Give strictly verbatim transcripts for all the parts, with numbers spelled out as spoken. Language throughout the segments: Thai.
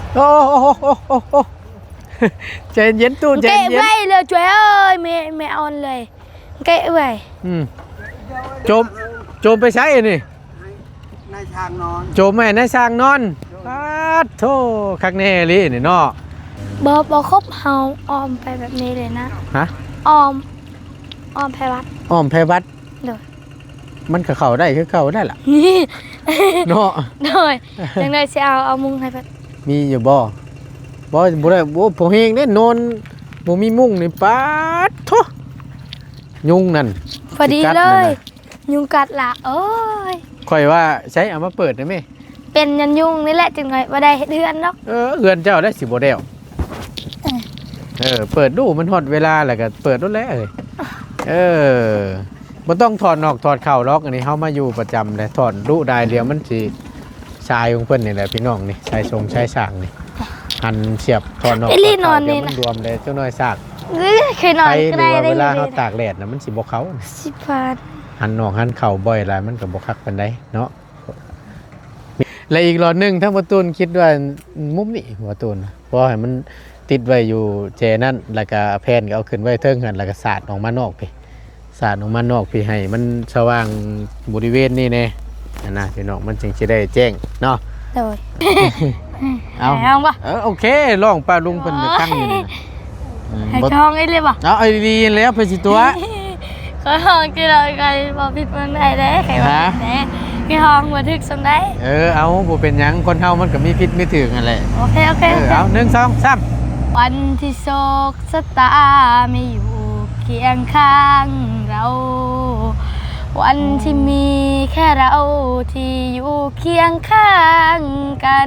โอ้โอ้โอ้โอ้โอ้ใจเย็นตู้ใจ kệ เย็น vậy là trời ơi mẹ mẹ onเลย kệ vậy อืมโจมโจมไปใช้นี่ในทางนอนโจมแม่ในสร้างนอนปาดโธ่คักแน่เลยนี่เนาะบอบอครบเฮาออมไปแบบนี้เลยนะฮะออมออมไปวัดอ้อมไผวัดเด้อมันก็เข้าได้คือเข้าได้ล่ะนี่เนาะเด้อจังได๋สิเอาเอามุงให้เพิ่นมีอยู่บ่บ่บ่ได้บ่พอเฮงเด้นอนบ่มีมุ้งนี่ปาดโธ่ยุงนั่นพอดีสิกัเลนั่นยน่ะยุงกัดละโอ้ยข่อยว่าใช้เอามาเปิดได้ไหมเป็นยันยุงนี่แหละจังได๋บ่ได้เฮ็ดเฮือนดอกเออเอือนเจ้าได้สิบ่แล้วเออเปิดดูมันฮอดเวลาแล้วก็เปิดนั่นแหละเอ้ยเออบ่ต้องถอดนอกถอดเข้าหรอกอันนี้เฮามาอยู่ประจำเลยถอดดูได้เดียวมันสิชายของเพิ่นนี่แหละพี่น้องนี่ชายทรงชายสร้างนี่หันเสียบถอดนอกถอดเข้าเดี๋ยวมันรวมเลยเจ้าน้อยซากเอ้ยเคยนอนไปหก็รือได้ว่าได้เวลาเลเฮาย ตากแดดน่ะมันสิบ่เข้าสิบบาทหันนอกหันเข่าบ่อยหลายมันก็บ่คักปานใดเนาะและอีกหลอดหนึงถ้าบ่ตูนคิดว่ามุมนี้บ่ตูนเพราะให้มันติดไว้อยู่แจนั่นแล้วก็แผ่นก็เอาขึ้นไว้เทิงหั่นแล้วก็สาดออกมานอกพี่สาดออกมานอกพี่ให้มันสว่างบริเวณนี้แน่อันน่ะพี่น้องมันจึงสิได้แจ้งเนาะโดยเอาให้ห้องปะเออโอเคลองป้าลุงเพิ่นจะตั้งอยู่นี่นะอืมให้บ่ห้องไอ้เลยปะเอาไอ้ดีๆแล้วเพิ่นสิตัวก็ห้องที่เราเคยบอกผิดมันได้เด้ใครบอกผิดเด้พี่ห้องมาถึกสมได้เออเอาบ่เป็นหยังคนเฮามันก็มีผิดมีถูกนั่นแหละโอเคโอเคเออเอาหนึ่งสองสามวันที่โศกสตาไม่อยู่เคียงข้างเรา วันที่มีแค่เราที่อยู่เคียงข้างกัน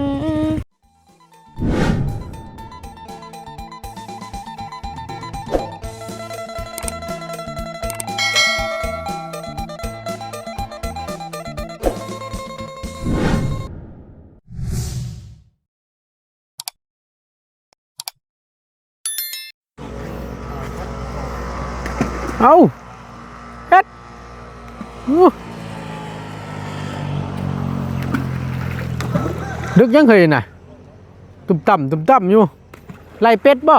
เอาเฮ็ดอู้ดึกยังเคยน่ะตุ่มต่ำตุ่มต่ำอยู่ไล่เป็ดบ่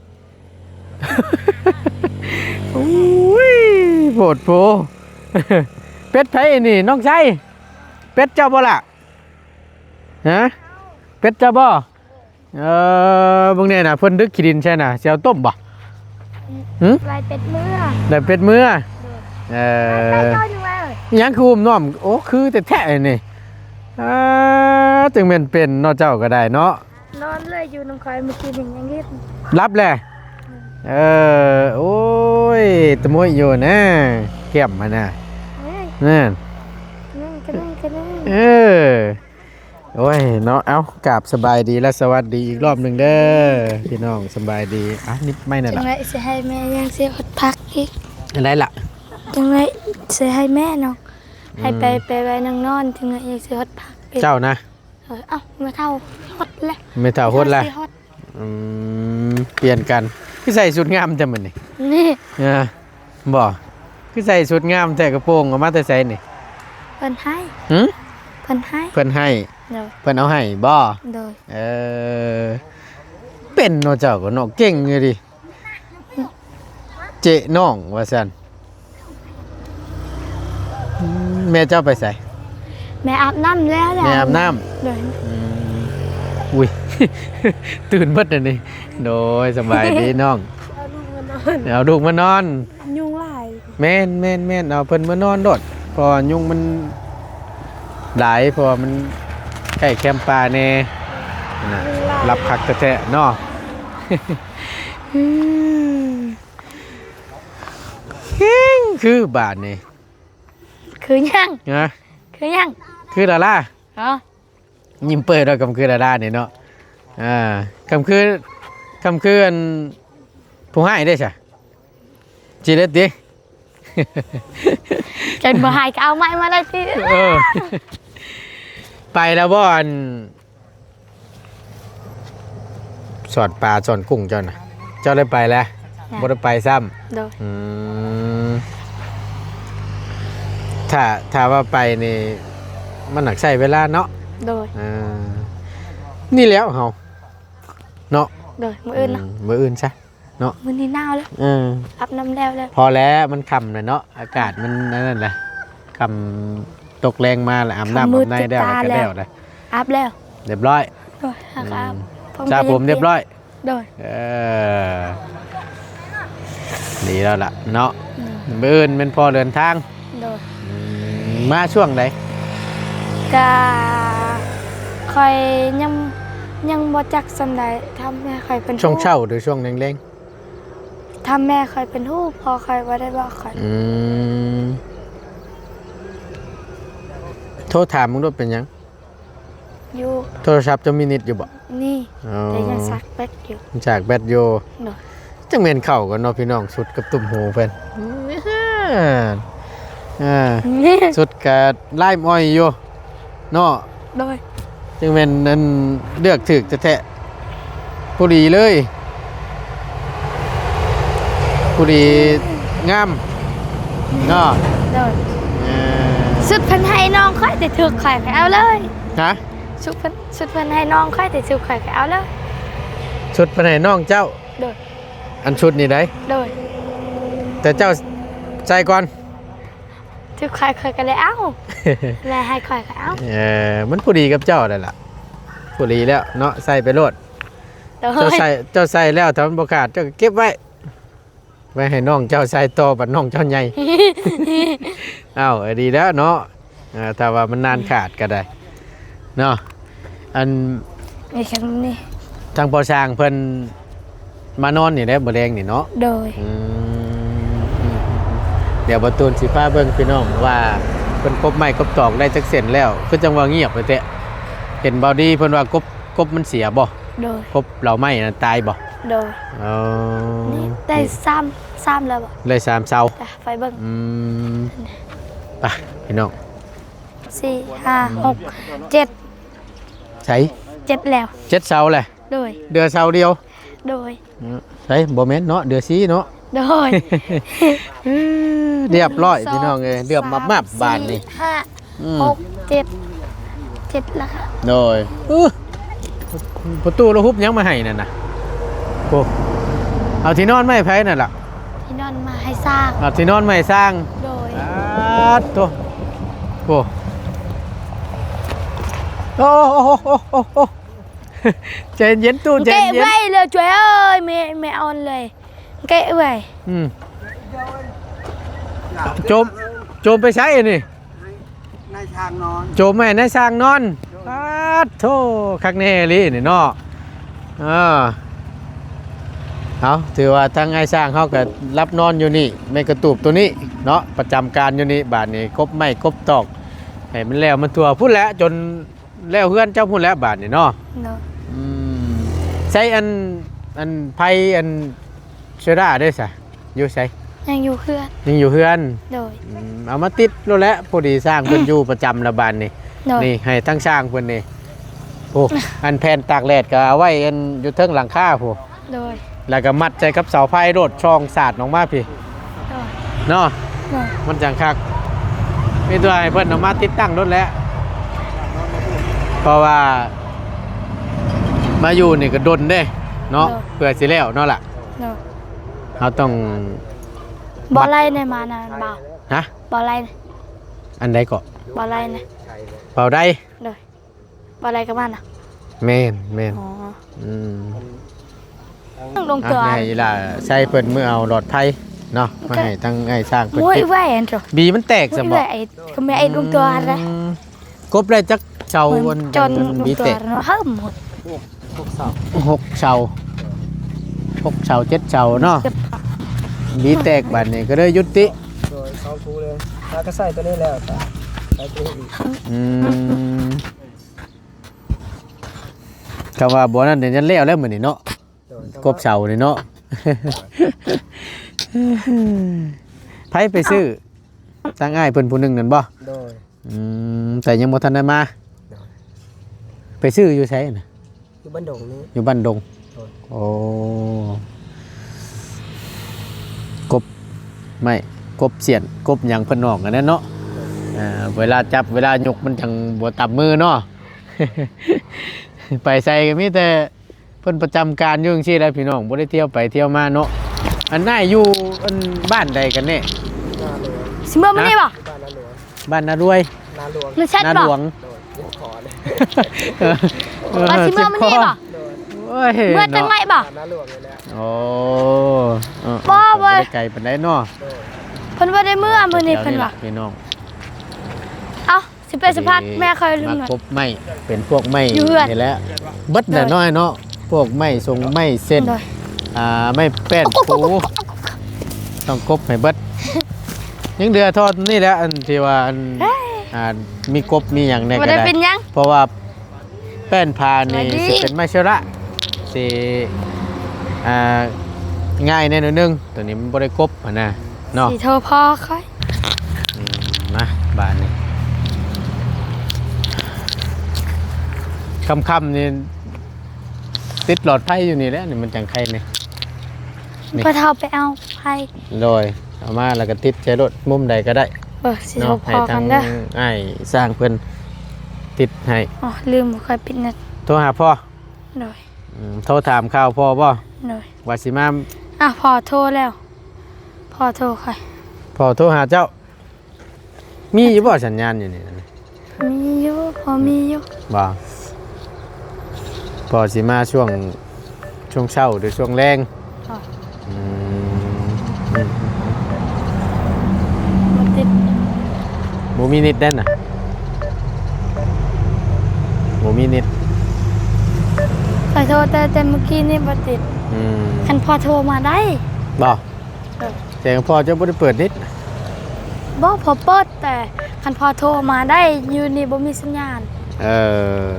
โอ้ยโผดโผ เป็ดไผนี่น้องชายเป็ดเจ้าบ่ล่ะฮะเป็ดเจ้าบ่เออเบิ่งแน่น่ะเพิ่นดึกขี้ดินใช่น่ะสิเอาต้มบ่หึลายเป็ดเมื่อได้เป็ดมื้อเอไปอต้อยหนึ่งมาเลยอิหยังคืออุ้มน้อมโอ้คือแต่แท้ๆนี่อ่าจึงแม่นเป็นเนาะเจ้าก็ได้เนาะนอนเลยอยู่น้ำคอยเมื่อกี้หนึ่งยังรีบรับแหละเออโอ้ยตะมวยอยู่นะแก้มมานะเฮ้ยนั่นนั่งกันนั่งกันนั่งเออโอ้ยเนาะเอ้ากราบสบายดีและสวัสดีอีกรอบหนึ่งเด้อพี่น้องสบายดีอ่ะนิดไม่นั่นจัล่ะงไรจะให้แม่ยังเสียหดพักอีกอะไรล่ะจังไรจะให้แม่น้องให้ไปไปไว้นางนอนจังไรยังเสียหดพักอีกเจ้านะเออเอ้ามาเท่าหดแล้วไม่เท่าโหดละสิหดอืมเปลี่ยนกันคือใส่ชุดงามจังมันนี่นี่เออบ่คือใส่ชุดงามแต่กระโปรงออกมาแต่ใส่นี่เพิ่นให้หึเพิ่นให้เพิ่นให้โดยเพิ่นเอาให้บ่โดยเออเป็นเนาะเจ้าก็เนาะเก่งอยู่ดิเจ๊น้องว่าซั่นอืมแม่เจ้าไปไสแม่อาบน้ำแล้วแหละแม่อาบน้ำโดยอืมอุ้ย ตื่นเบิดอันนี้โดยสบายดีน้องเอาลูกมานอนยุงหลายแม่นแม่นแม่นเอาเพิ่นมานอนโดดเพอยุงมันหลายเพอมันใกล้แคมป์ป่าแน่นะรับคักแท้ๆเนาะ เฮ้งคือบาทนี่คือยังนะคือยังคือดาราเอ๋อยิ้มเปิดเรากำคือดารานี่เนาะอ่ากำคือคำคืออันผู้ให้ได้ใช่จีเล็ดดิจนบ่หายก็เอาไม้มาได้ที่เออ ไปแล้วบ่อนสอดปลาสอนกุ้งเจ้าน่ะเจ้าได้ไปแล้วบ่ได้ไปซ้โดยำอืมถ้าถ้าว่าไปนี่มันหนักใช้เวลาเนาะโดยอ่านี่แล้วเฮาโดยมื้ออื่นเนาะมมื้ออื่นซะเนาะมื้อนี้หนาวแล้วเอออาบน้ำแล้วแล้วพอแล้วมันค่ำแล้วเนาะอากาศมันนั่นแหละค่ำตกแรงมาแล้วอาบน้ำอาบในแล้วแล้วก็แล้วเลยอาบแล้วเรียบร้อยโดยหากอาบจ้าผมเรียบร้อยโดยเออดีแล้วล่ะเนาะมื้ออื่นเป็นพอเดินทางโดยอืมมาช่วงไหนกะค่อยยังยังบ่จักสำใดทำแม่ค่อยเป็นช่วงฮู้เช้าหรือช่วงแรงทำแม่ค่อยเป็นฮู้พอค่อยบ่ได้บอกค่อยๆอืมโทรถามมึงด้วยเป็นหยังอยู่โทรศัพท์จะมีนิดอยู่บ่นี่อ๋อแต่ยังซักแป๊กอยู่จากแบตโยโดยจังเมนเข่ากันเนาะพี่น้องสุดกับตุ่มหูเพิ่นอ่านี่สุดกับไล่อ้อยอยู่เนาะโดยจังเมนนั้นเลือกถึกจะแทะผู้ดีเลยผู้ดีงามเนาะโดยเออสุดเพิ่นให้น้องค่อยแต่ถูกข่อยก็เอาเลยฮะสุดเพิ่นสุดเพิ่นให้น้องค่อยแต่ถูกข่อยก็เอาเลยชุดไปไหนน้องเจ้าโดยอันชุดนี่ได้โดยแต่เจ้าใจก่อนถูกข่อยข่อยก็เลยเอาแล้วให้ข่อยก็เอาเออมันผู้ดีกับเจ้าได้ล่ะผู้ดีแล้วเนาะใส่ไปโลดโดเจ้าย ใส่เจ้าใส่แล้วถ้ามันบ่ขาดเจ้าก็เก็บไว้ไว้ให้น้องเจ้าใส่ต่อบัดน้องเจ้าใหญ่ อ้าวเออดีแล้วเนาะอ่าถ้าว่ามันนานขาดก็ได้เนาะอันนี่คำนี้ทางปอช้างเพิ่นมานอนนี่แหละบ่แรงนี่เนาะโดยอืมเดี๋ยวบ่ตูนสิพาเบิ่งพี่น้องว่าเพิ่นกบไม้กบตอกได้จักเส้นแล้วคือจังว่าเงียบไปแท้เห็นบ่ดีเพิ่นว่ากบกบมันเสียบ่โดยกบเหล่าไม้น่ะตายบ่โดยอ๋อนี่ได้ซ้ำซ้ำแล้วบ่เลยสามเสาจ้ะไฟเบิ่งอืมไปพี่น้องสี่ห้าหกเจ็ดใช้เจ็ดแล้วเจ็ดเสาแหละโดยเดือเสาเดียวโดยใช่บ่แม่นเนาะเดือสีเนาะโดยเรียบร้อยพี่น้องเอ้ยเรียบมับมับๆบานนี่สี่ห้าอืมหกเจ็ดเจ็ดแล้วค่ะโดยอื้อประตูเราฮุบยังมาให้นั่นน่ะโอ้เอาที่นอนไม่ไผนั่นล่ะที่นอนมาให้สร้างเอาที่นอนไม่สร้างโดยอาดตัวโอ้โอ้โอ้โอ้โอ้โอ้โอ้ใจเย็นตู้ใจเกะเย็นไว้เลยช่วยเอ้ยไม่ไม่เอาเลยเกะไว้อืมโจมโจมไปใช้นี่นายช่างนอนโจมแม่ในสร้างนอนปาดโธ่คักแน่เลยนี่เนาะอ่าเอาถือว่าทางไอ้สร้างเขาก็รับนอนอยู่นี่ไม่กระตูบตัวนี้เนาะประจำการอยู่นี่บาทนี้กบไม่กบตอกให้มันแล้วมันทั่วพูดแล้วจนแล้วเพื่อนเจ้าพูดแล้วบาทนี่เนาะเนาะอืมใช้อันอันไพอันเชอร่าด้วยสะอยู่ใช้ยังอยู่เพื่อนยังอยู่เพื่อนโดยอืมเอามาติดแล้วแหละพอดีสร้างเพิ่นอยู่ประจำระบานนี่โดยนี่ให้ทั้งสร้างเพิ่นนี่โอ้อันแผ่นตากแดดก็เอาไว้อันอยู่เทิงหลังคาพูโดยแล้วก็มัดใจกับเสาไฟโดดช่องสาดออกมาพี่โดยเนาะโดยมันจังคักมีตัวให้เพิ่นเอามาติดตั้งรถแล้วเพราะว่า มาอยู่นี่ก็ดนเด้เนาะเพื่อสิแล้วเนาะล่ะโดยเราต้องบอลไล่ในมานะเบาฮะบอลไล่นะอันใดก็บอลไล่นะเป่าได้โดยบอลไล่กับมันนะแม่นแม่นอ๋ออืมต้องลงอ่ะตัวให้ล่ะใช้เพิ่นมือเอาหลอดไผ่เนาะมาให้ทั้งไอ้สร้างเพิ่นมุ้ยติดแหวนจ้ะบีมันแตกมุ้ซะยบ่แหวนไอ้ก็ไม่ไอ้ลงตัวอะไรอืมกบได้จักเสาวันจนลบีงตัวแตกเนาะเพิ่มหมดหกเสาหกเสาหกเสาเจ็ดเสาเนาะเจ็บบีแตกบัดนี้ก็เลยยุติโดยเขาคูเลยถ้าก็ใส่ตัวนี้แล้วแต่ใส่ตัวนี้อีกอืมคำว่าบ่นั้นเดี๋ยวจะแล้วแล้วมื้อนี้เนาะโดยกบเสานี่เนาะ ไผไปซื้อทางอ้ายเพิ่นผู้หนึงนั่นบ่โดยอืมแต่ยังบ่ทันได้มา ไปซื้ออยู่ไสน่ะอยู่บ้านดงนี้อยู่บ้านดงโดยโอ้กบไม่กบเสียนกบหยังเพิ่นนอกอันนั้นเนาะอ่าเวลาจับเวลายกมันจังบ่ตับมือเนาะ ไปใส่ก็มีแต่ เพิ่นพิ่นประจำการอยู่จังซี่แหละพี่น้องบ่ได้เที่ยวไปเที่ยวมาเนาะอันน่าอยู่อันบ้านใดกันแน่นาหลวงสิเมื่อมื้อนี้บ่บ้านนาหลวงบ้านนารวยนาหลวงมันแชทนาบ่หลวงโดยยึดขอเลยว่าสิเมื่อมื้อนี้บ่โดยโอ้ยเมื่อจังไหนบ่บ้านนาหลวงเลยแหละโอ้เออบ่เว้ยได้ไกลปานใดเนาะโดยเพิ่นบ่ได้เมื่อมื้อนี้เพิ่นว่าพี่น้องเอ้าสิไปสะพัดแม่เคยลืมมาหน่อยครบไม้เป็นพวกไม้อยู่เฮือนนี่แหละเบิดน่ะน้อยเนาะพวกไม้ทรงไม้เส้นโดยอ่าไม้แป้นปูต้องครบให้เบิดยังเดือทอดนี่แหละอันที่ว่าอันเฮ้ยอ่ามีกบมีหยังแน่บ่ก็ได้ได้เป็นหยังเพราะว่าแป้นพานี่สวัสดีสิเป็นไม้เชระสิอ่าง่ายแน่นอนนึงตัวนี้มันบ่ได้ครบอ่ะนะเนาะสิโทรพอค่อยอืมมาบ้านนี่ค่ำๆนี่ติดหลอดไฟอยู่นี่แหละนี่มันจังไข่นี่ นี่พอเฒ่าไปเอาไผโดยเอามาแล้วก็ติดใช้รถมุมใดก็ได้เออสิโทรเนาะพให้อทากังนเด้ออ้ายสร้างเพิ่นติดให้อ๋อลืมบ่ค่อยปิดเน็ตโทรหาพ่อโดยอืมโทรถามข่าวพ่อบ่โดยว่าสิมาอ่ะพอโทรแล้วพอโทรค่อยพ่อโทรหาเจ้า มีอยู่บ่สัญญาณอยู่นี่นะมีอยู่พอมีอยู่บ่พ่อสิมาช่วงช่วงเช้าหรือช่วงแรงอ๋ออืมอืมบ่ติดบ่มีนิดเด่นน่ะบ่มีนิดขอโทษแต่แต่เมื่อกี้นี่บ่ติดอืมคันพอโทรมาได้บ่เออแต่พ่อเจ้าบ่ได้เปิดนิดบ่พอเปิดแต่คันพอโทรมาได้อยู่นี่บ่มีสัญญาณเออ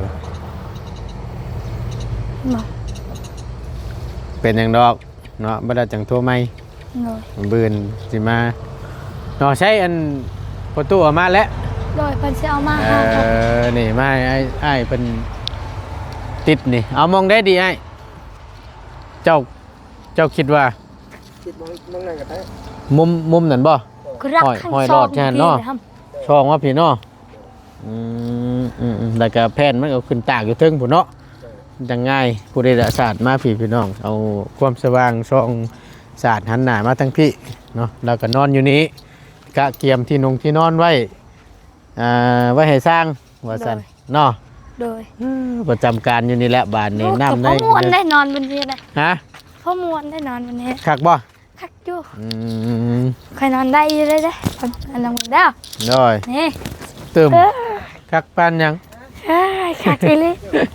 บ่เป็นหยังดอกเนาะบ่ได้จังโทรใหม่โดยบืนสิมาเนาะใช้อันประตูออกมาแล้วโดยเพิ่นสิเอามาเอให้ครับอนี่มาไอ้ไอ้เป็นติดนี่เอามองได้ดีไอ้เจ้าเจ้าคิดว่าคิดมองมองนั่นก็ได้มุมมุมนั่นบ่กรักห้อยข้างห้อยซรออง ดแค่นั้นเนาะพี่ครับช่องว่าพี่เนาะอืมอืมอืมแล้วก็แผ่นมันก็ขึ้นตากอยู่เทึงพุ่นเนาะจังง่ายผู้ใดศาสตร์มาพี่พี่น้อง เอาความสว่างช่องศาสตร์หันหน้ามาทั้งพี่เนาะแล้วก็นอนอยู่นี้กะเกียมที่นงที่นอนไว้อ่าไว้ให้สร้างว่าซั่นเนาะโดยประจำการอยู่นี่แหละบ้านนี้น้ำได้ได้พ่อมวนได้นอนบนนี้นะฮะพ่อมวนได้นอนบนนี้คักบ่คักอยู่อืมใครนอนได้อยู่เลยเด้ออันนั้นบ่ได้น้อยนี่ตึมเออคักปานหยังเอ้ยคักอีหลี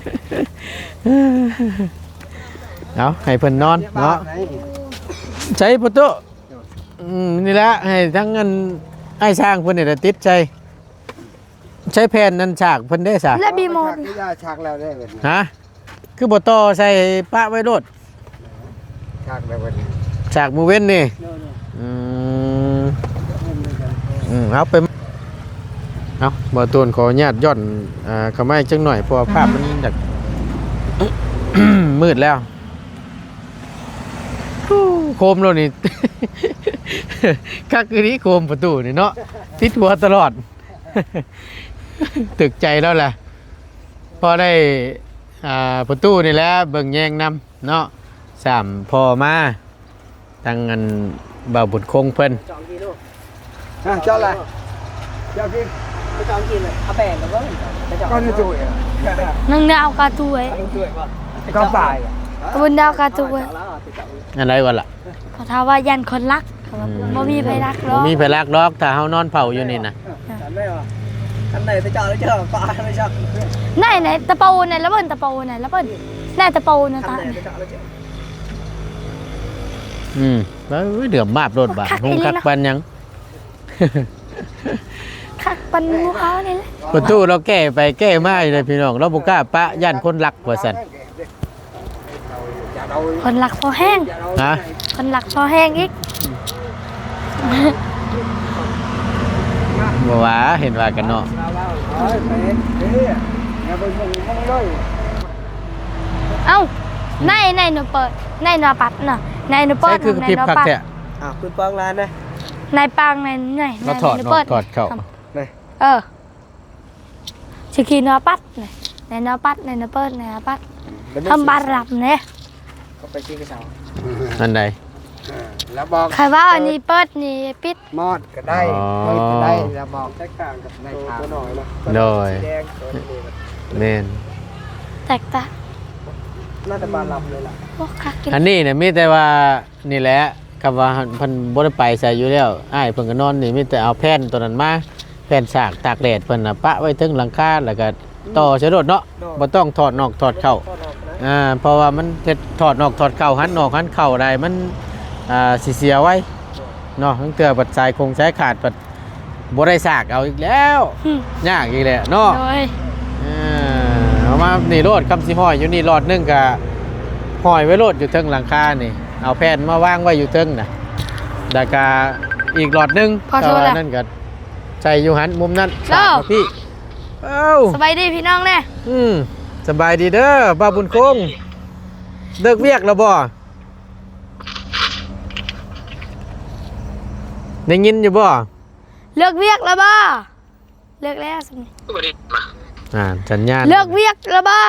เอาให้เพิ่นนอนเนาะใช้ประตูอืมนี่แหละให้ทั้งเงินให้สร้างเพิ่นนี่แหละติดใจใช้แผ่นนั้นฉากเพิ่นได้ซะและบีโมดที่ยาชักแล้วได้เว้ยฮะคือบ่ต่อใส่ปะไว้โลดชักแล้วเว้ยฉากมือเว้นนี่อืมอืมเอาไปเอาบ่ตูนขออนุญาตย่อนอ่าเข้ามาอีกจังหน่อยเพราะว่าภาพมันอยาก มืดแล้วฮู้โคมแล้วนี่ คักคือนี้โคมประตูนี่เนาะติดหัวตลอด ตึกใจแล้วแหละพอได้อ่าประตูนี่แหละเบิ่งแยงนำเนาะสามพอมาตั้งเงินบ่าวบุญคงเพิ่นจองกินลูกฮะเจ้าอะไรเจ้ากินไปจองกินเลยเอาแป้งกับเบิ้งก็จะจุ๋ยอ่ะนังดาวกาตุยจุ๋ยป่ะก็ป่ายบนดาวกาตุยอะไรวะล่ะเขาถามว่ายันคนรักเขาว่าบ่มีไผรักหรบ่อกมีไผรักดอกถ้าเฮานอนเผาอยู่นี่นะฉันไม่ว่าฉันไหนไปจอดแล้วเจอป่าไม่ชอบไหนไหนตะปูไหนแล้วเบิ่นตะปูไหนแล้วเบิ่นแน่ตะปูนะฉันตาไหนไปจอดแล้วเจออืมแล้วเดือมมาบรถบาดคงคักปานหยังคักปันหมูเขานี่แหละประตูเราแก้ไปแก้มาอยู่เลยพี่น้องเราบ่กล้าปะย่านคนรักว่าซั่นคนรักพอแห้งฮะคนรักพอแห้งอีกบ่ว่าเห็นว่ากันเนาะเอ้าในในหนูเปิดในหนูปัดน่ะในหนูเปิใช่ดคือกระในพริบหนูคักปัดแท้อ่ะคุณปองร้านนะในปังในในในเราถอดหนูเนาะเปิดถอดเข้าเออชิคีหนูปัดในในหนูปัดในหนูเปิดในหนูปัดทำบานหลับเนี่ยก็ไปชี้กระเช้าอันใดแล้วบอกใครว่าอันนี้เปิดนี่ปิดมอดก็ได้อ๋อเปิดก็ได้แล้วบอกแตกต่างกับในทางหน่อยนะโดยสีแดงตัวนี้แม่นแตกต่างน่าจะบานลำเลยล่ะโอ้คักกินอันนี้เนี่ยมีแต่ว่านี่แหละคำว่าเพิ่นบ่ได้ไปใส่อยู่แล้วอ้ายเพิ่นก็นอนนี่มีแต่เอาแผ่นตัวนั้นมาแผ่นฉากตากแดดเพิ่นน่ะปะไว้ถึงหลังคาแล้วก็ต่อใช้รถเนาะบ่ต้องถอดนอกถอดเข้าอ่าเพราะว่ามันเฮ็ดถอดนอกถอดเข้าหันนอกหันเข้าได้มันอ่าสิเสียไว้เนาะทั้งเทื่อบัดสายคงสายขาดบัดบ่ได้ซากเอาอีกแล้วหึยากอีกแหละเนาะโดยอ่าเอามานี่โลดคำสิห้อยอยู่นี่หลอดหนึงก็ห้อยไว้โลดอยู่เทิงหลังคานี่เอาแผ่นมาวางไว้อยู่เทิงน่ะแล้วก็อีกหลอดหนึงพอโทษแต่แล้ว่าว นั่นก็ใส่อยู่หันมุมนั้นเจ้าฝากมาพี่เอ้าสบายดีพี่น้องแน่อืมสบายดีเด้อบ้าบุญคงเลิกเวียกแล้วบ่ได้ยินอยู่บ่เลิกเวียกแล้วบ่เลิกแล้วสำนีอ่าสัญญาณเลิกเวียกแล้วบ่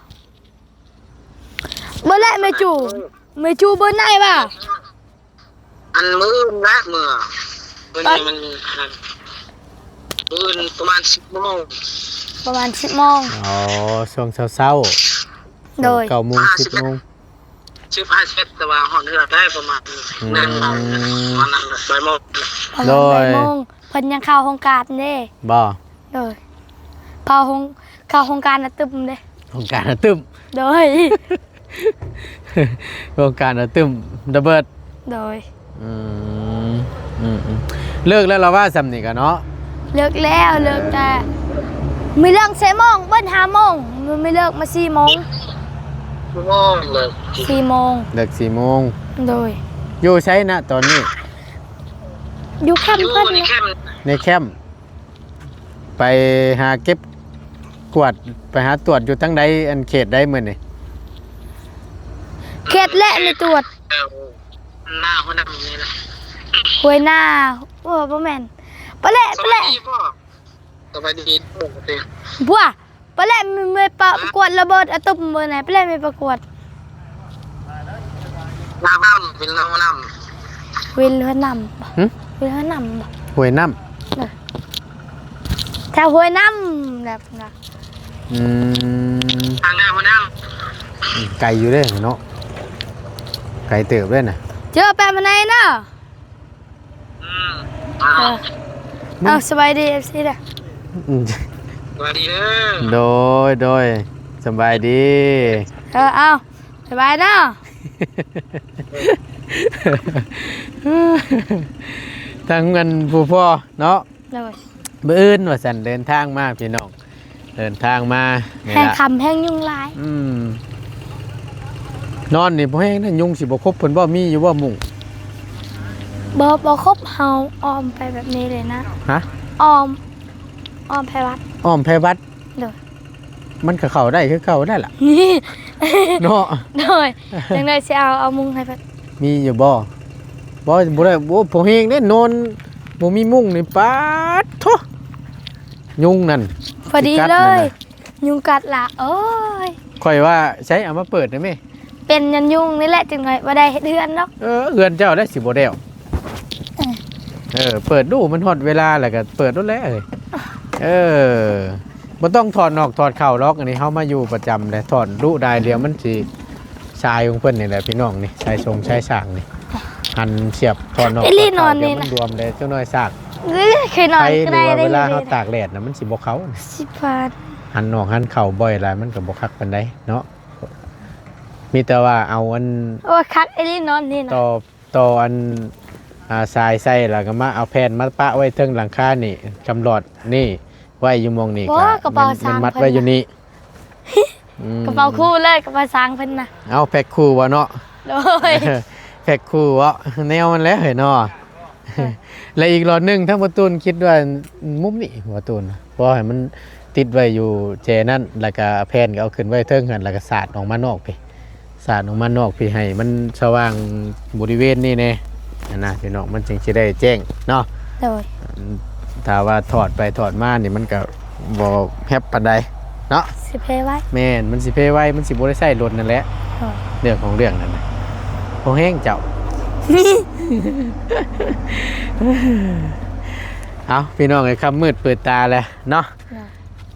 เมื่อไรไม่จูไม่จูเบอร์ไหนบ่อันมื้อละมื้อมื้อนี้มันอันมื้อประมาณสิบโมงประมาณสิบโมงอ๋อช่วงเช้าๆโดยเก้าโมงสิบโมงสิบห้าเซตแต่ว่าห้องนี้เราได้ประมาณอืมนั่นประมาณนั้นบ่ายโมงประโดมาณยบ่ายโมงเพิ่นยังเข้าโครงการเด้บ่โดยเข้าโครงเข้าโครงการน่ะตึมเด้โครงการอะตึมโดยโครงการอะตึมระเบิดโดยอืมอืมอืมเลิกแล้วเราว่าสำนี่กันเนาะเลิกแล้วเลิกแต่ไม่เลิกสี่โมงเบิ้ลห้าโมงมันไม่เลิกมาสี่โมงชั่วโมงเลยสี่โมงเลิกสี่โมงโดยอยู่ใช้นะตอนนี้อยู่แคมอยู่ป์เพิ่นในนะแคมป์ในแคมป์ไปหาเก็บกวาดไปหาตรวจอยู่ทั้งใดอันเขตได้เมื่อนี่เขตและไม่ตรวจเออหน้าหัวหน้านี่แหละหวยหน้าโอ้บ่แม่นปะแหละสปะวัแหสละดีพ่อสวัสดีปกติบัวปะแหละไม่ไม่ประกวดระเบิดอะตุ่มเบอร์ไหนปะแหละไม่ประกวดน้ำน้ำเป็นน้ำน้วินเรือนำบ่หึวินเรือนำบ่หวยน้แถวหวยน้ำแบบนั้นำอืมำทางหน้าหัวหน้าไก่อยู่เด้เนาะไก่เติบด้วยนะเจอแปะมาไหนเนาะอืมเออเอาสบายดี เอฟ ซี เด้ออืมสวัสดีเด้อโดยโดยสบายดีเออเอาสบายเนาะทั้งเงินผู้พ่อเนาะโดยบื้ออื่นว่าสันเดินทางมาพี่น้องเดินทางมานี่แห้งล่ะคำแห้งยุ่งลายอืมนอนนี่บ่แห้งนะยุงสิบ่ครบเพิ่นบ่มีอยู่บ่มุงบอบอครบเฮาออมไปแบบนี้เลยนะฮะออมออมไปวัดอ้อมไผวัดโดยมันก็เข้าได้คือเข้าได้ล่ะนี่เนาะโดยจังเลยสิเอาเอามุงให้พัดมีอยู่บ่บ่บ่ได้บ่บ่แห้งเด้นอนบ่มีมุงนี่ปาดโทยุงนั่นพอดีกัดเลนั่นยน่ะยุงกัดละโอ้ยข่อยว่าใช้เอามาเปิดได้ไหมเป็นยันยุงนี่แหละจังเลยบ่ได้เฮ็ดเฮือนเนาะเออเอือนเจ้าได้สิบ่แล้วเออเออเปิดดูมันฮอดเวลาแล้วก็เปิดดูแล้วเอ้ยเออบ่ต้องถอดนอกถอดเข้าหรอกอันนี้เฮามาอยู่ประจำเลยถอดดูได้เดียวมันสิชายของเพิ่นนี่แหละพี่น้องนี่ชายทรงชายสร้างนี่หันเสียบถอดนอกถอดเข้าเดี๋ยวมันรวมเลยเจ้าน้อยซากเอ้ยเคยนอนใครหก็รือได้ว่าได้เวลาเลเฮาย ตากแดดน่ะมันสิบ่เข้าสิบบาทหันนอกหันเข้าบ่อยหลายมันก็บ่คักปานใดเนาะมีแต่ว่าเอาอันโอ้ยคักไอ้นี่นอนนี่นะต่อต่ออันอ่าทรายใส่แล้วก็มาเอาแผ่นมาปะไว้เทิงหลังคานี่กำหลอดนี่ไว้อยู่หมองนี่บ่กระเป๋ามันสร้างมัดเพิ่นไว้อยู่นี่กระเป๋าคู่เลยกระเป๋าสร้างเพิ่นน่ะเอาแพ็คคู่วะเนาะโดยแพ็คคู่วะแนวมันแล้วเหรอเนาะและอีกหลอดหนึงทั้งประตูนคิดว่ามุมนี่ประตูนเพราะให้มันติดไว้อยู่เจนั่นแล้วก็แผ่นก็เอาขึ้นไว้เทิงกันแล้วก็สาดออกมานอกไปสาดออกมานอกพี่ให้มันสว่างบริเวณนี่แน่อันนะพี่น้องมันจึงจะได้แจ้งเนาะโดยถ้าว่าถอดไปถอดมานี่มันก็บ่แฮปปานใดเนาะสิเพไว้แม่นมันสิเพไว้มันสิบ่ได้ใช้รถนั่นแหละโดยเรื่องของเรื่องนั่นน่ะโอแห้งเจ้า เอาพี่น้องไอ้คำมืดเปิดตาแล้วเนาะโดย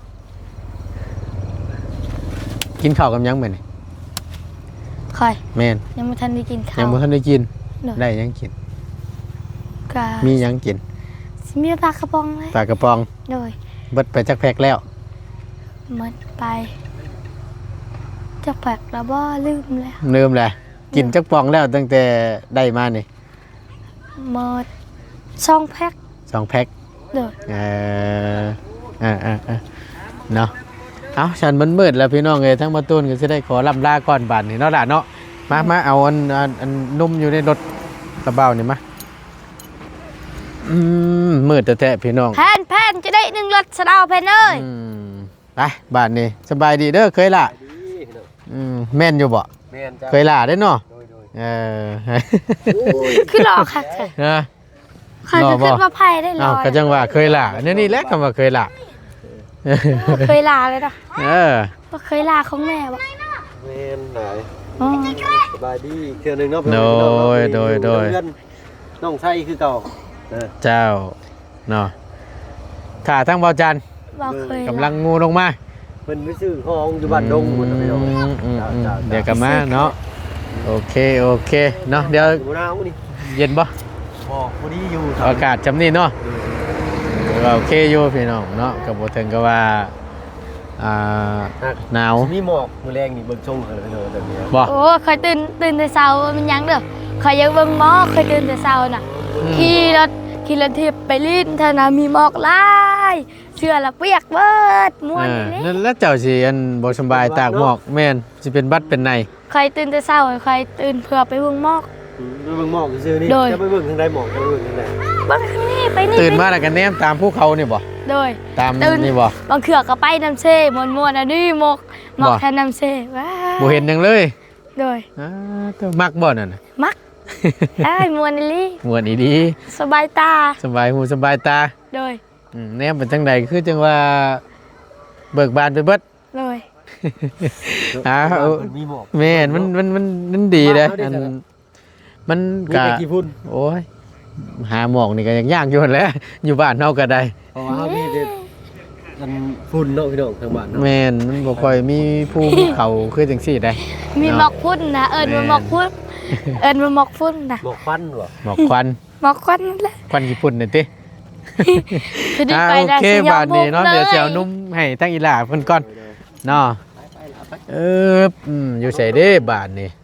กินข้าวกับยังเหมือนคอยแม่นยังไม่ทันได้กินข้าวยังบ่ทันได้กินโดยได้ยังกินก็มียังกินสิมีปลากระป๋องเลยปลากระป๋องโดยเบิดไปจักแพ็กแล้วหมดไปจะแปลกแล้วบ่ลืมแล้วลืมแหละกินจักปองแล้วตั้งแต่ได้มานี่หมดช่องแพ็คสองแพ็กโดยเอออ่าอ่าอ่าเนาะเอาฉันมันมืดแล้วพี่น้องเลยทั้งมาตูนก็จะได้ขอลำลาก่อนบัดนี่เนาะล่ะเนาะมามาเอาอันอันอันนุ่มอยู่ในรถกระเป๋านี่มาอืมมืดแต่แท้พี่น้องแพนแพนจะได้หนึ่งรถสะเดาแพนเอ้ยอืมไปบาทนี่สบายดีเด้อเคยล่ะอืมแม่นอยู่บ่แม่นจ้ะเคยล่ะได้เนาะโดยโดยเออคือหลอกค่ะนะใครจะขึ้นมาไพ่ได้ลเอาอยก็จังว่าเคยล่ะเนี่ยนี่แหละคำว่าเคยล่ะเคยลาเลยนะเออว่าเคยลาของแม่วะแม่นไหนอ๋อสบายดีเทื่อหนึงเนาะโดยโดยโดยเพื่อนน้องไส้คือเก่านะเจ้าเนาะขาทั้งเบาจันว่าเคยกำลังงูลงมาเพิ่นไปซื้อของอยู่บ้านดงหมดแล้วพี่น้องอืมอืมอืมจ้าๆเดี๋ยวกลับมาเนาะโอเคโอเคเนาะเดี๋ยวอยู่หน้าอู้นี่เย็นบ่บอกพอดีอยู่อากาศจำนี่เนาะโอเคอยู่พี่น้องเนาะกับบ่ถึงก็ว่าอ่าหนาวมีหมอกมื้อแรงนี่เบิ่งชงกันเลยพี่น้องแบบนี้บ่โอ้เคยตื่นตื่นแต่เช้ามันยังเด้อเคยยังเบิ่งหมอกเคยตื่นแต่เช้าน่ะขี่รถขี่รถทิพย์ไปลิ้นเท่านั้นมีหมอกหลายเสื้อละเปียกเบิดม่วนเออนี่นั่นแล้วเจ้าสิอันบ่สำบายตากหมอกแม่นสิเป็นบัดเป็นในเคยตื่นแต่เช้าเคยตื่นเพื่อไปเบิ่งหมอกอืมไปเบิ่งหมอกซื่อๆนี่โดยจะไปเบิ่งทางใดหมอกจะไปเบิ่งทางใดเบิ่งทางนี้ไปนี่ตื่นมาไปแล้วก็แนมตามภูเขานี่บ่โดยตามตื่นนี่บ่บางเขือก็ไปน้ำเซ่มวนๆอันนี้หมอกหมอกบ่แทนน้ำเซ่ว้าบ่เห็นหยังเลยโดยอ้าตัวมักบ่นั่นน่ะมักไอ้ยมวนอีหลีม่วนอีดีสบายตาสบายหูสบายตาโดยอืมแนมเป็นจังใดคือจังว่าเบิกบานไปเบิดโดยอ้าวเพิ่นมีหมอกแม่นมันมันมันมันดีเด้ออันมันมีกะแต่กี่พุ่นโอ้ยหาหมอกนี่ก็ยังยากอยู่หั่นแหล้วอยู่บ้านเฮาก็ได้เพราะว่าเฮามีแต่อันฝุ่นเนาะพี่น้องทางบ้านเนาะแม่นมันบ่ค่อยมีภูมิเขาคือจังซี่ได้มีหมอกพุ่นนะเอิญมาหมอกพุ่นเอิญมาหมอกพุ่นนะหมอกควันบ่หมอกควันหมอกควันนั่นแหละควันญี่ปุ่นนี่ติคือดีอ่าไปโอได้เคสิยอบาดนี้เนาะบุกเดี๋ยวลสิเอานุ่มให้ทั้งอีหล่าเพิ่นก่อนเนาะเอออืมอยู่ไสเด้บาดนี้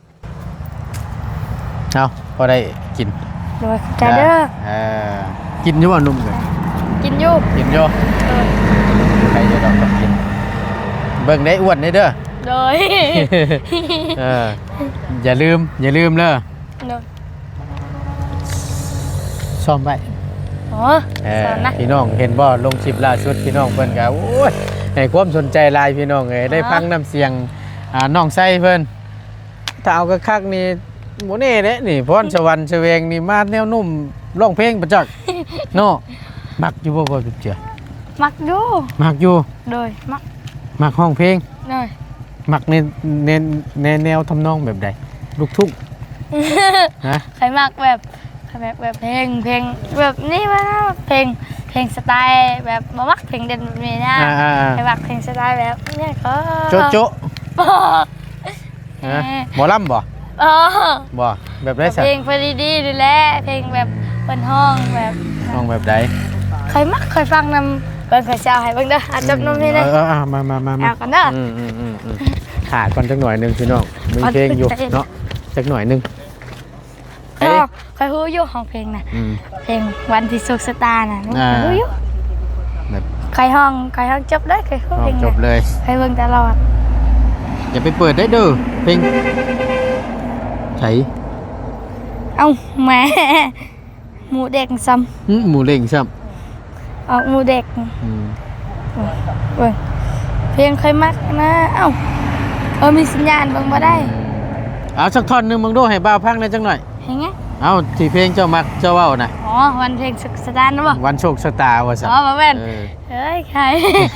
เอาพอได้กินโดยใจเด้อเออกินอยู่บ่นุ่มกันกินอยู่กินอยู่โดยใครจะต้องมากินเบิ่งได้อ้วนได้เด้อโดยเอออย่าลืมอย่าลืมเด้อโดยซ่อมไว้โอ้เอสออนนะพี่น้องเห็นบ่ลงคลิปล่าสุดพี่น้องเพิ่นก็โอ้ยให้ความสนใจหลายพี่น้องเอ้ยได้ฟังน้ำเสียงอ่าน้องไส้เพิ่นถ้าเอาคักๆนี่บ่แน่เด้นี่พรสวรรค์เสวงนี่มาแนวนุ่มร้องเพลงประจักษ์เนาะมักอยู่บ่บ่เจือมักอยู่มักอยู่โดยมักมักห้องเพลงโดยมักในในในแนวทำนองแบบใดลูกทุ่งฮะใครมักแบบใครแบบแบบเพลงเพลงแบบนี้วะเพลงเพลงสไตล์แบบบ่มักเพลงเด่นแบบนี้นะอ่าใครมักเพลงสไตล์แบบเนี่ยก็โจะโจะบ่ฮะหมอลำบ่เออบ่แบบไรสัเพลงเพลงดีๆดูแลเพลงแบบเปินห้องแบบน้องแบบใดเคยมักเคยฟังนำเบิ่งเคยเช้าให้เบิ่งเด้ออาจจบนมนี่เลยเออเออมามามามาเอากันเด้ออืมอืมอืมอืมขาดก่อนจักหน่อยหนึงพี่น้องมีอันเพลงอยู่เป็นเพลงเนาะจักหน่อยหนึงเคยเคยฮู้อยู่ของเพลงน่ะอืมเพลงวันที่สุขสตาร์น่ะอ่าเคยฮู้อยู่แบบเคยห้องเคยห้องจบได้เคยฮู้อเพอลกงจบน่ะเลยเคยเบิ่งตลอดอย่าไปเปิดได้เด้อเพลงไถเอ้าแหม่หมูเด็กซ้หึหมูเล่งซ้ำออกหมูเด็กำอืมเบิ่งเพลงเคยมักนะเอ้าเออมีสัญญาณเบิ่งบ่ได้เอาสักท่อนหนึงมึงดูให้บ่าวพังได้จังหน่อยเห็นไงเอาที่เพลงเจ้ามักเจ้าเว้าน่ะอ๋อวันเพลงสุขสตาร์นะบ่วันโชคชะตาว่าซั่นอ๋อบ่แม่นเออเฮ้ยใคร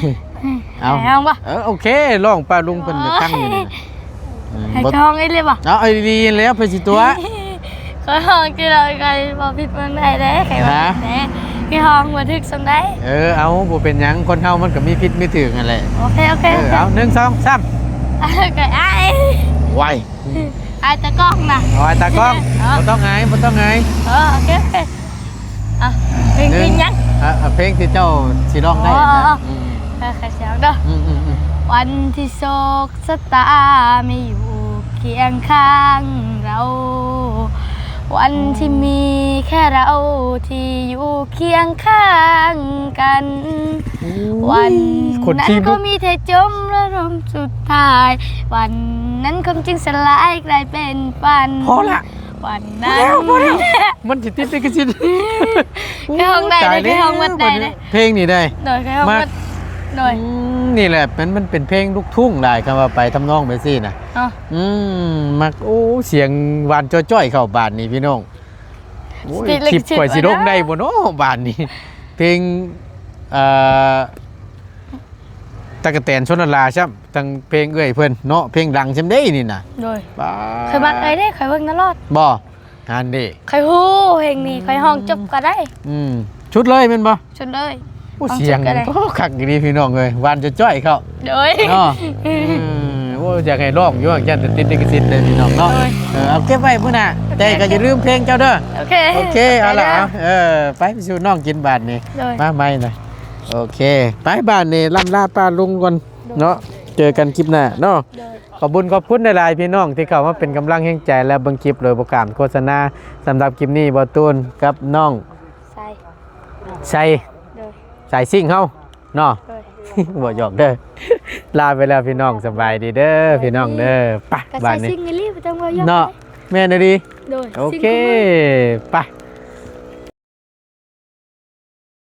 เอาให้ห้องปะเออโอเคลองป้าลุงเพิ่นจะตั้งอยู่นี่นะอืมให้บ่ห้องไอ้เลยปะเอาไอ้ดีๆแล้วเพิ่นสิตัวก็ห้องที่เราใครบอกผิดเมืองใดเด้ใครบอกผิดเด้ที่ห้องมาถึกสำได้เออเอาบ่เป็นหยังคนเฮามันก็มีพิษมีถึงนั่นแหละโอเคโอเคเออเอาหนึ่งสองสามไก่ไอ้ไวไอ้ตะกล้องนะเอาไอ้ตากล้องบ่ต้องไงบ่ต้องไงเออโอเคโอเคอ่ะเพลงหเพลนึ่งยังอ่ะอ่ะเพลงที่เจ้าสิร้องได้อ๋อนะอืมใครใครเสียงเด้ออืมอืมอืมวันที่โศกสตาไม่อยู่เคียงข้างเรา วันที่มีแค่เราที่อยู่เคียงข้างกัน วันคนนั้นที่ก็ลุกมีเธอจมระลมสุดท้าย วันนั้นคำจึงสลายกลายเป็นฝันพอละวันนั้นมันสิติดได้ก็สิแค่ห้องใดเลยแค่ห้องวัดใดเลยเพลงนี่ได้โดยแค่ห้องวัดโดยอืมนี่แหละมันมันเป็นเพลงลูกทุ่งได้คำว่าไปทำนองไปสินะเอ๋ออืมมักโอ้เสียงหวานจ้อยๆเข้าบานนี่พี่น้องโอ้ยคลิปข่อยสิลงได้บ่เนาะบานนี้เพลงเอ่อตะกะแตนชนลาใช่ทั้งเพลงเอ้ยเพิ่นเนาะเพลงดังใช่มั้ยนี่น่ะโดยบ้าเคยมักไอ้ได้เคยเบิ่งตลอดบ่งานดิเคยฮู้เพลงนี้เคยห้องจบก็ได้อืมชุดเลยแม่นบ่ชนเลยโอ้ฟังเสียงชุดก็ได้ก็คักดีพี่น้องเอ้ยหวานจ้อยๆเข้าโดยเนาะอืมโอ้อยากให้ร้องอยู่ว่ายันติดลิขสิทธิ์เลยพี่น้องเนาะโอ้ยเออเอาเก็บไว้มื้อหน้าแต่ก็อย่าลืมเพลงเจ้าเด้อโอเคโอเคเอาล่ะเอาเออไปไปสู่น้องกินบาทนี่โดยมาใหม่หน่อยโอเคไปบ้านนี่ล่ำลาป้าลุงก่อนเนาะเจอกันคลิปหน้าเนาะโดยขอบคุญขอบคุณหลายๆพี่น้องที่เข้ามาเป็นกำลังแห่งใจและเบิ่งคลิปโดยประกาศโฆษณาสำหรับคลิปนี้บ่ตูนกับน้องใส่ใส่โดยใส่ซิ่งเฮาเนาะโดยบ่หยอกเด้อลาไปแล้วพี่น้องสบายดีเด้อพี่น้องเด้อไปก็บ้าใส่นนี้ซิงเกิลลี่ไปจังว่าย่อเนาะแม่นดีโดยโอซิงเคเกิลลี่ไป